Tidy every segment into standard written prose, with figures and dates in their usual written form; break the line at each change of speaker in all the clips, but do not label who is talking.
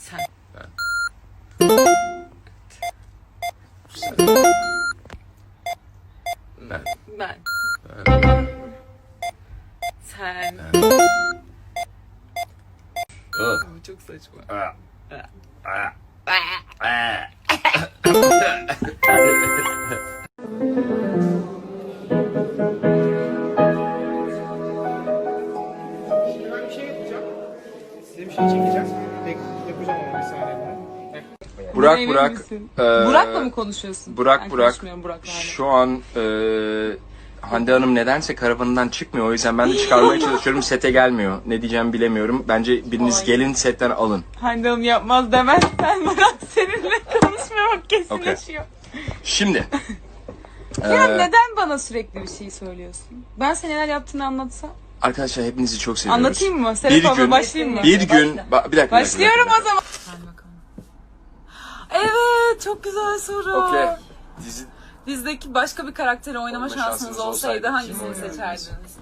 Sen.
Ben. Ben.
Ben.
Ben.
Sen.
Ben.
Çok saçma.
Şimdi ben bir şey yapacağım. Size bir şey çekeceğim. Yapacağım onu bir saniye.
Burak
Emin
Burak.
misin?
eee,
Burak'la mı konuşuyorsun?
Burak
Ben
Burak.
konuşmuyorum Burak'la hala.
Şu an Hande Hanım nedense karavanından çıkmıyor. O yüzden ben de çıkarmaya çalışıyorum. Sete gelmiyor. Ne diyeceğimi bilemiyorum. Bence biriniz gelin setten alın.
Hande Hanım yapmaz demezsen Murat seninle konuşmamak kesinleşiyor.
Şimdi.
Ya neden bana sürekli bir şey söylüyorsun? Ben senin neler yaptığını anlatsam.
Arkadaşlar hepinizi çok seviyoruz.
Anlatayım mı? Serap abla başlayayım mı?
Bir gün. Bir dakika.
Başlıyorum o zaman. Evet, çok güzel soru.
Okey. Dizi
Dizdeki başka bir karakteri oynama şansınız olsaydı hangisini
kim oynardınız?
seçerdiniz?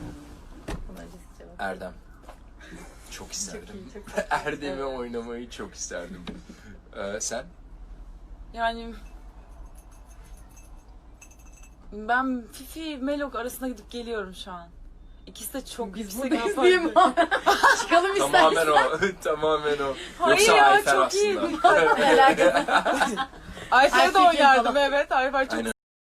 Erdem. Çok isterdim. Erdem'i oynamayı çok isterdim. Sen?
Yani ben Fifi Melok arasında gidip geliyorum şu an. İkisi de çok yüksek yapardı.
Çıkalım
Tamamen o. Tamamen o.
Hayır
Yoksa
ya,
Ayfer
çok iyi.
aslında.
Ayfer'e de
Ayfer
oynardım
falan.
evet. Ayfer çok